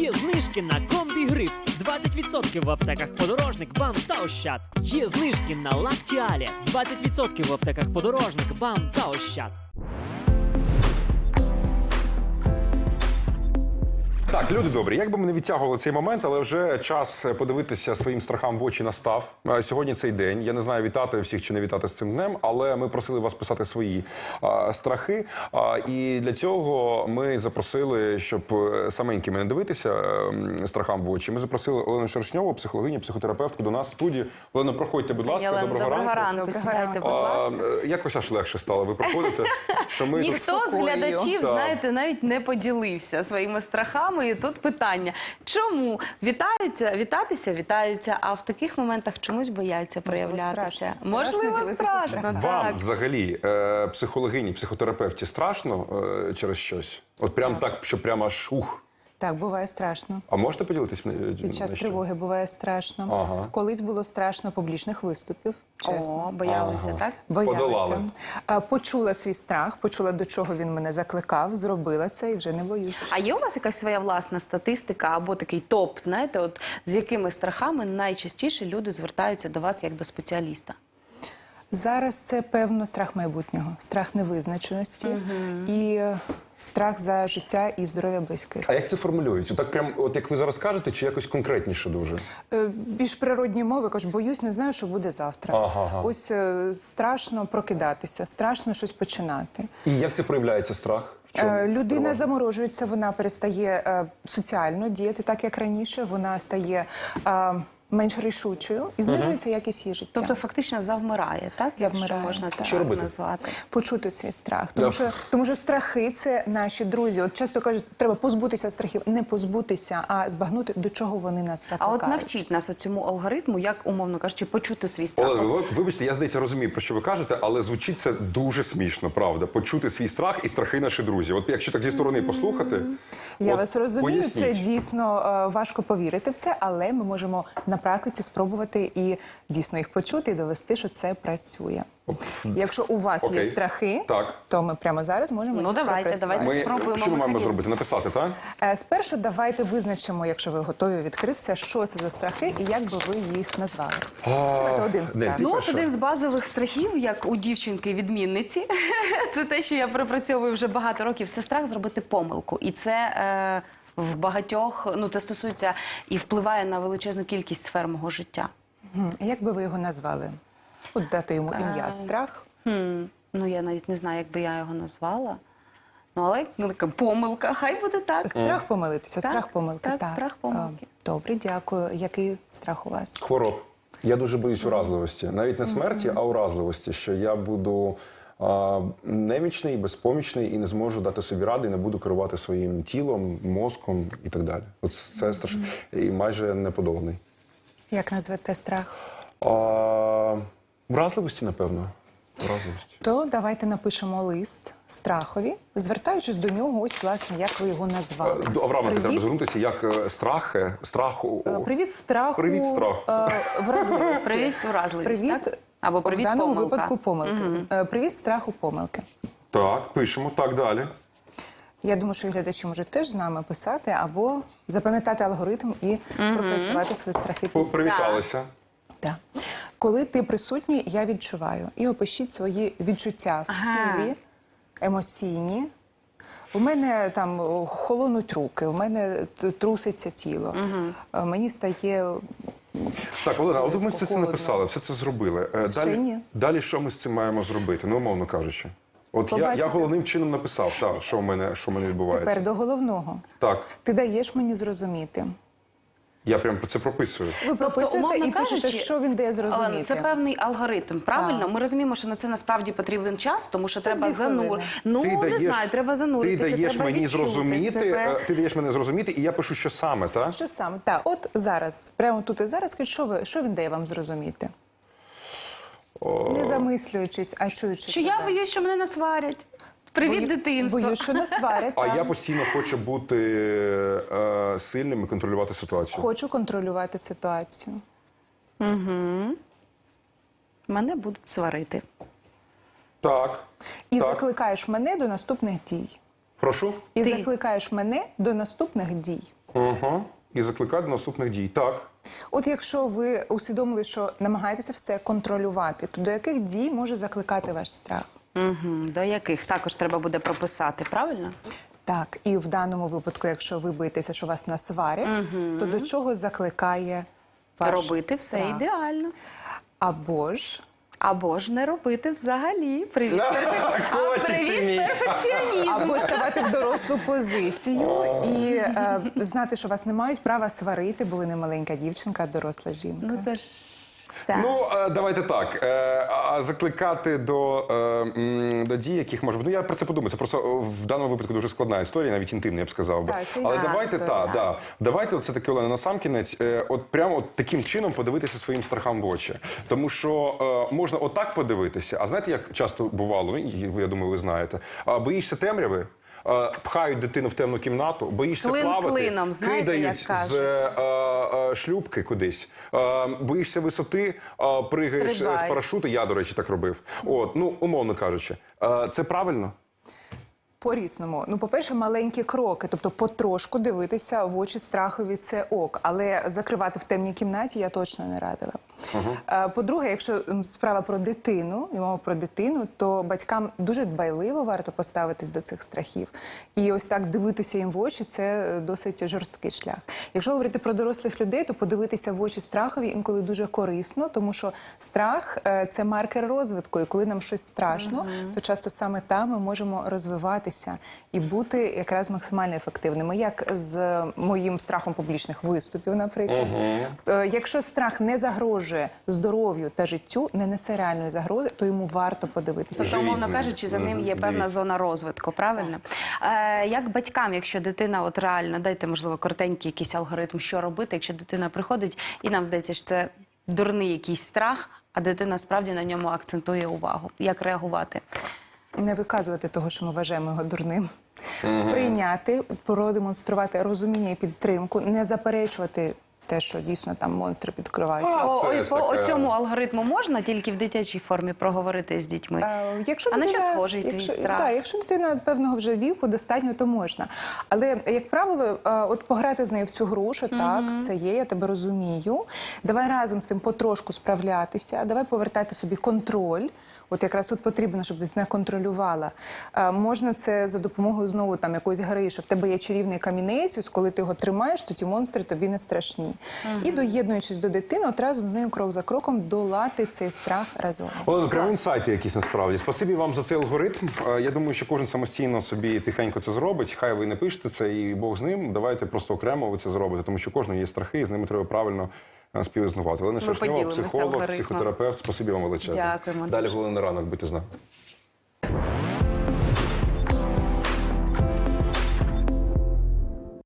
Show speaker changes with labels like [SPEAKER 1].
[SPEAKER 1] Є знижки на комбі-гриф. 20% в аптеках Подорожник, БАМ та Ощад. Є знижки на Лактіалі. 20% в аптеках Подорожник, БАМ та Ощад.
[SPEAKER 2] Так, люди добрі, як би ми не відтягували цей момент, але вже час подивитися своїм страхам в очі настав. Сьогодні цей день. Я не знаю, вітати всіх чи не вітати з цим днем, але ми просили вас писати свої страхи. І для цього ми запросили, щоб саменькими не дивитися страхам в очі, ми запросили Олену Шершньову, психологиню, психотерапевтку, до нас в студію. Олено, проходьте, будь ласка, доброго ранку.
[SPEAKER 3] Сідайте, будь ласка.
[SPEAKER 2] Якось аж легше стало, ви приходите, що ми
[SPEAKER 3] Ніхто з глядачів, знаєте, навіть не поділився своїми страхами. І тут питання, чому вітаються, а в таких моментах чомусь бояться проявлятися? Можливо, страшно.
[SPEAKER 2] Вам взагалі, психологині, психотерапевті, страшно через щось? От прям так, що прямо аж ух.
[SPEAKER 4] Так, буває страшно.
[SPEAKER 2] А можете поділитись?
[SPEAKER 4] Під час тривоги буває страшно.
[SPEAKER 2] Ага.
[SPEAKER 4] Колись було страшно публічних виступів, чесно.
[SPEAKER 3] О, боялися, так?
[SPEAKER 4] Боялася.
[SPEAKER 2] Подолали.
[SPEAKER 4] Почула свій страх, почула, до чого він мене закликав, зробила це і вже не боюсь.
[SPEAKER 3] А є у вас якась своя власна статистика або такий топ, знаєте, от з якими страхами найчастіше люди звертаються до вас як до спеціаліста?
[SPEAKER 4] Зараз це, певно, страх майбутнього, страх невизначеності і страх за життя і здоров'я близьких.
[SPEAKER 2] А як це формулюється? Так прям, от як ви зараз кажете, чи якось конкретніше дуже?
[SPEAKER 4] Більш природні мови, кажу, боюсь, не знаю, що буде завтра.
[SPEAKER 2] Ага.
[SPEAKER 4] Ось страшно прокидатися, страшно щось починати.
[SPEAKER 2] І як це проявляється страх? В чому?
[SPEAKER 4] Людина
[SPEAKER 2] Переважно?
[SPEAKER 4] заморожується, вона перестає соціально діяти так, як раніше, вона стає менш рішучою і знижується якість її життя.
[SPEAKER 3] Тобто фактично завмирає, так?
[SPEAKER 4] Завмирає,
[SPEAKER 3] Якщо можна це
[SPEAKER 4] так.
[SPEAKER 2] Що
[SPEAKER 3] так
[SPEAKER 2] робити?
[SPEAKER 3] назвати.
[SPEAKER 4] Почути свій страх. Тому що страхи – це наші друзі. От часто кажуть, треба позбутися страхів. Не позбутися, а збагнути, до чого вони нас
[SPEAKER 3] А
[SPEAKER 4] закликають.
[SPEAKER 3] от навчіть нас цьому алгоритму, як, умовно кажучи, почути свій страх.
[SPEAKER 2] Олена, вибачте, я, здається, розумію, про що ви кажете, але звучить це дуже смішно, правда. Почути свій страх і страхи наші друзі. От якщо так зі сторони послухати...
[SPEAKER 4] Я
[SPEAKER 2] от
[SPEAKER 4] вас розумію,
[SPEAKER 2] поясніть.
[SPEAKER 4] це дійсно важко повірити в це, але ми можемо на практиці спробувати і дійсно їх почути і довести, що це працює. Якщо у вас
[SPEAKER 2] Окей.
[SPEAKER 4] є страхи,
[SPEAKER 2] Так.
[SPEAKER 4] то ми прямо зараз можемо
[SPEAKER 3] Ну,
[SPEAKER 4] їх
[SPEAKER 3] давайте,
[SPEAKER 4] пропрацювати.
[SPEAKER 3] давайте. Спробуємо
[SPEAKER 2] Що ми маємо
[SPEAKER 3] механізм.
[SPEAKER 2] зробити? Написати, так?
[SPEAKER 4] Спершу давайте визначимо, якщо ви готові відкритися, що це за страхи і як би ви їх назвали. Давайте один страх.
[SPEAKER 2] Ти
[SPEAKER 3] Ну, от
[SPEAKER 2] перша.
[SPEAKER 3] один з базових страхів, як у дівчинки-відмінниці, це те, що я пропрацьовую вже багато років, це страх зробити помилку. І це в багатьох, ну це стосується і впливає на величезну кількість сфер мого життя.
[SPEAKER 4] Як би ви його назвали? От дати йому ім'я страх.
[SPEAKER 3] Ну, я навіть не знаю, як би я його назвала. Ну, але така помилка, хай буде так.
[SPEAKER 4] Страх помилитися,
[SPEAKER 3] Так,
[SPEAKER 4] страх помилки.
[SPEAKER 3] так, страх помилки.
[SPEAKER 4] Добре, дякую. Який страх у вас?
[SPEAKER 2] Хвороб. Я дуже боюсь уразливості. Навіть не смерті, а уразливості. Що я буду немічний, безпомічний і не зможу дати собі ради, і не буду керувати своїм тілом, мозком і так далі. От це страшно. І майже неподоланий.
[SPEAKER 4] Як назвете страх?
[SPEAKER 2] Вразливості, напевно. Вразливості.
[SPEAKER 4] То давайте напишемо лист страхові, звертаючись до нього, ось, власне, як ви його назвали.
[SPEAKER 2] До Авраменка треба
[SPEAKER 4] Привіт.
[SPEAKER 2] звернутися, як страху.
[SPEAKER 4] Привіт страху.
[SPEAKER 2] Привіт страху.
[SPEAKER 4] Вразливості.
[SPEAKER 3] Привіт уразливість,
[SPEAKER 4] Привіт,
[SPEAKER 3] так? Або привіт
[SPEAKER 4] в даному
[SPEAKER 3] помилка.
[SPEAKER 4] випадку помилки. Привіт страху помилки.
[SPEAKER 2] Так, пишемо. Так, далі.
[SPEAKER 4] Я думаю, що і глядачі можуть теж з нами писати або запам'ятати алгоритм і пропрацювати свої страхи. після.
[SPEAKER 2] Привіталися.
[SPEAKER 4] Так. Коли ти присутній, я відчуваю. І опишіть свої відчуття в тілі, емоційні. У мене там холонуть руки, у мене труситься тіло. Мені стає...
[SPEAKER 2] Так, Олена, от ми все це
[SPEAKER 4] Холодно.
[SPEAKER 2] написали, все це зробили.
[SPEAKER 4] Ще ні.
[SPEAKER 2] Далі що ми з цим маємо зробити? Ну, умовно кажучи. От я
[SPEAKER 4] Побачите.
[SPEAKER 2] головним чином написав, так, що в мене відбувається.
[SPEAKER 4] Тепер до головного.
[SPEAKER 2] Так,
[SPEAKER 4] Ти даєш мені зрозуміти.
[SPEAKER 2] я прям це прописую.
[SPEAKER 4] Ви прописуєте
[SPEAKER 3] умовно
[SPEAKER 4] і пишете,
[SPEAKER 3] кажучи,
[SPEAKER 4] що він дає зрозуміти.
[SPEAKER 3] Олена, це певний алгоритм, правильно?
[SPEAKER 4] Так.
[SPEAKER 3] Ми розуміємо, що на це насправді потрібен час, тому що треба
[SPEAKER 4] 2 хвилини.
[SPEAKER 3] Ну, не знаю, треба зануритися,
[SPEAKER 2] ти даєш
[SPEAKER 3] треба
[SPEAKER 2] мені
[SPEAKER 3] відчути
[SPEAKER 2] зрозуміти,
[SPEAKER 3] себе.
[SPEAKER 2] ти даєш мене зрозуміти, і я пишу, що саме, так?
[SPEAKER 4] Що саме? Так, от зараз, прямо тут і зараз, скажіть, що він дає вам зрозуміти? Не замислюючись, а чуючи
[SPEAKER 3] Що
[SPEAKER 4] себе.
[SPEAKER 3] я боюсь, що мене насварять. Привіт, дитинство.
[SPEAKER 4] Боюсь, що не сварять.
[SPEAKER 2] А
[SPEAKER 4] так.
[SPEAKER 2] я постійно хочу бути сильним і контролювати ситуацію.
[SPEAKER 4] Хочу контролювати ситуацію.
[SPEAKER 3] Мене будуть сварити.
[SPEAKER 2] Так.
[SPEAKER 4] І
[SPEAKER 2] так.
[SPEAKER 4] закликаєш мене до наступних дій.
[SPEAKER 2] Прошу?
[SPEAKER 4] І
[SPEAKER 3] Ти.
[SPEAKER 4] закликаєш мене до наступних дій.
[SPEAKER 2] Угу. І закликати до наступних дій. Так.
[SPEAKER 4] От якщо ви усвідомили, що намагаєтеся все контролювати, то до яких дій може закликати ваш страх?
[SPEAKER 3] До яких також треба буде прописати, правильно?
[SPEAKER 4] Так, і в даному випадку, якщо ви боїтеся, що вас насварять, то до чого закликає ваш
[SPEAKER 3] Робити все
[SPEAKER 4] страх?
[SPEAKER 3] ідеально.
[SPEAKER 4] Або
[SPEAKER 3] Або ж не робити взагалі. Привіт,
[SPEAKER 2] Котик ти мій.
[SPEAKER 3] привіт, перфекціонізм.
[SPEAKER 4] Або ставати в дорослу позицію і знати, що вас не мають права сварити, бо ви не маленька дівчинка, а доросла жінка.
[SPEAKER 3] Ну це ж так.
[SPEAKER 2] Ну, давайте так. А закликати до дій, яких може бути. Ну, я про це подумаю. Це просто в даному випадку дуже складна історія, навіть інтимна, я б сказав би.
[SPEAKER 4] Так, це
[SPEAKER 2] Але
[SPEAKER 4] інтимна
[SPEAKER 2] давайте
[SPEAKER 4] історія.
[SPEAKER 2] давайте все таки, Олена, насамкінець, от прямо от таким чином подивитися своїм страхам в очі. Тому що можна отак подивитися, а знаєте, як часто бувало, я думаю, ви знаєте, боїшся темряви, пхають дитину в темну кімнату, боїшся
[SPEAKER 3] Клин
[SPEAKER 2] плавати,
[SPEAKER 3] клином, знаєте,
[SPEAKER 2] кидають
[SPEAKER 3] як
[SPEAKER 2] з шлюбки кудись, боїшся висоти, пригаєш
[SPEAKER 3] Стрибай.
[SPEAKER 2] з парашуту, я, до речі, так робив. От, ну, умовно кажучи. Це правильно?
[SPEAKER 4] По-різному. Ну, по-перше, маленькі кроки, тобто потрошку дивитися в очі страхові – це ок. Але закривати в темній кімнаті я точно не радила. По-друге, якщо справа про дитину, і мова про дитину, то батькам дуже дбайливо варто поставитись до цих страхів. І ось так дивитися їм в очі – це досить жорсткий шлях. Якщо говорити про дорослих людей, то подивитися в очі страхові інколи дуже корисно, тому що страх – це маркер розвитку. І коли нам щось страшно, то часто саме там ми можемо розвиватися і бути якраз максимально ефективними. Як з моїм страхом публічних виступів, наприклад. Якщо страх не загрожує здоров'ю та життю, не несе реальної загрози, то йому варто подивитися.
[SPEAKER 3] Тобто, умовно
[SPEAKER 2] Живіть.
[SPEAKER 3] кажучи, за ним є певна
[SPEAKER 2] Дивіться.
[SPEAKER 3] зона розвитку, правильно? Як батькам, якщо дитина от реально, дайте, можливо, коротенький якийсь алгоритм, що робити, якщо дитина приходить, і нам здається, що це дурний якийсь страх, а дитина справді на ньому акцентує увагу. Як реагувати?
[SPEAKER 4] Не виказувати того, що ми вважаємо його дурним. Прийняти, продемонструвати розуміння і підтримку, не заперечувати те, що дійсно там монстри підкриваються.
[SPEAKER 2] це ж таке.
[SPEAKER 3] Цьому алгоритму можна тільки в дитячій формі проговорити з дітьми? А на що схожий твій страх?
[SPEAKER 4] Так, якщо дитина певного вже віку достатньо, то можна. Але, як правило, от пограти з нею в цю гру, що так, це є, я тебе розумію. Давай разом з цим потрошку справлятися, давай повертати собі контроль. От якраз тут потрібно, щоб дитина контролювала. Можна це за допомогою знову там якоїсь гри, що в тебе є чарівний камінець, ось коли ти його тримаєш, то ті монстри тобі не страшні. І доєднуючись до дитини, от разом з нею крок за кроком долати цей страх разом.
[SPEAKER 2] Олена, прямо інсайти якісь насправді. Спасибі вам за цей алгоритм. Я думаю, що кожен самостійно собі тихенько це зробить. Хай ви не пишете це, і Бог з ним. Давайте просто окремо ви це зробите, тому що кожного є страхи, і з ними треба правильно співіснувати. Олена Шершньова,
[SPEAKER 3] поділимося
[SPEAKER 2] психолог,
[SPEAKER 3] алгоритмом.
[SPEAKER 2] психотерапевт. Спасибі вам величезне.
[SPEAKER 3] Дякуємо
[SPEAKER 2] Далі
[SPEAKER 3] дуже.
[SPEAKER 2] «Головний ранок», будьте з нами.